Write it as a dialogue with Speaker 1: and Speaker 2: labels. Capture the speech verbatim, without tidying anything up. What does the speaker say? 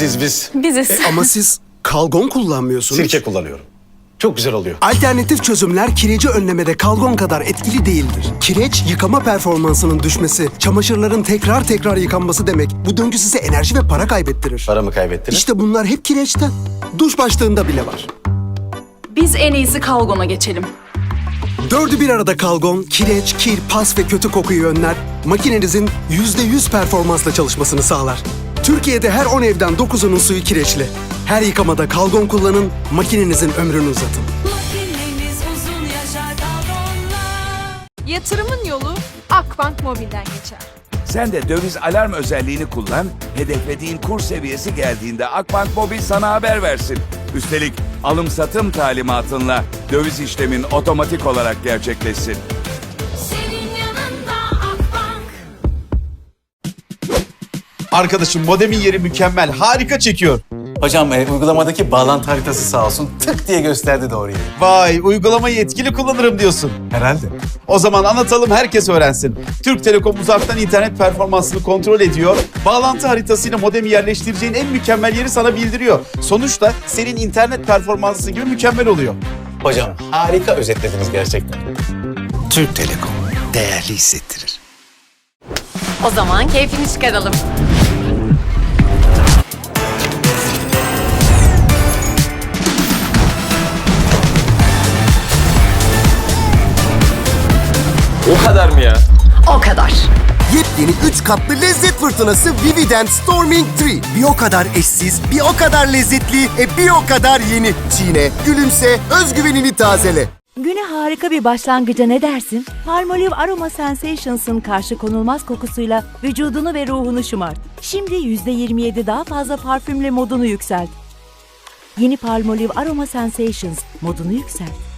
Speaker 1: Biziz biz.
Speaker 2: Biziz.
Speaker 3: E, ama siz kalgon kullanmıyorsunuz.
Speaker 1: Sirke kullanıyorum. Çok güzel oluyor.
Speaker 3: Alternatif çözümler kireci önlemede kalgon kadar etkili değildir. Kireç, yıkama performansının düşmesi, çamaşırların tekrar tekrar yıkanması demek. Bu döngü size enerji ve para kaybettirir.
Speaker 1: Paramı kaybettiniz.
Speaker 3: İşte bunlar hep kireçten. Duş başlığında bile var.
Speaker 2: Biz en iyisi kalgona geçelim.
Speaker 3: Dördü bir arada kalgon, kireç, kir, pas ve kötü kokuyu önler. Makinenizin yüzde yüz performansla çalışmasını sağlar. Türkiye'de her on evden dokuzunun suyu kireçli. Her yıkamada kalgon kullanın, makinenizin ömrünü uzatın.
Speaker 4: Makineniz uzun yaşar kalgonla.
Speaker 5: Yatırımın yolu Akbank Mobil'den geçer.
Speaker 6: Sen de döviz alarm özelliğini kullan, hedeflediğin kur seviyesi geldiğinde Akbank Mobil sana haber versin. Üstelik alım-satım talimatınla döviz işlemin otomatik olarak gerçekleşsin.
Speaker 4: Senin yanında Akbank.
Speaker 7: Arkadaşım modemin yeri mükemmel. Harika çekiyor.
Speaker 1: Hocam e, uygulamadaki bağlantı haritası sağ olsun tık diye gösterdi doğru yeri.
Speaker 7: Vay, uygulamayı etkili kullanırım diyorsun.
Speaker 1: Herhalde.
Speaker 7: O zaman anlatalım, herkes öğrensin. Türk Telekom uzaktan internet performansını kontrol ediyor. Bağlantı haritasıyla modemi yerleştireceğin en mükemmel yeri sana bildiriyor. Sonuçta senin internet performansın gibi mükemmel oluyor.
Speaker 1: Hocam harika özetlediniz gerçekten.
Speaker 8: Türk Telekom değerli hissettirir.
Speaker 9: O zaman keyfini çıkaralım.
Speaker 10: O kadar mı ya?
Speaker 9: O kadar.
Speaker 8: Yepyeni üç katlı lezzet fırtınası Vividend Storming üç. Bir o kadar eşsiz, bir o kadar lezzetli, e bir o kadar yeni. Çiğne, gülümse, özgüvenini tazele.
Speaker 11: Güne harika bir başlangıca ne dersin? Palmolive Aroma Sensations'ın karşı konulmaz kokusuyla vücudunu ve ruhunu şımart. Şimdi yüzde yirmi yedi daha fazla parfümle modunu yükselt. Yeni Palmolive Aroma Sensations modunu yükselt.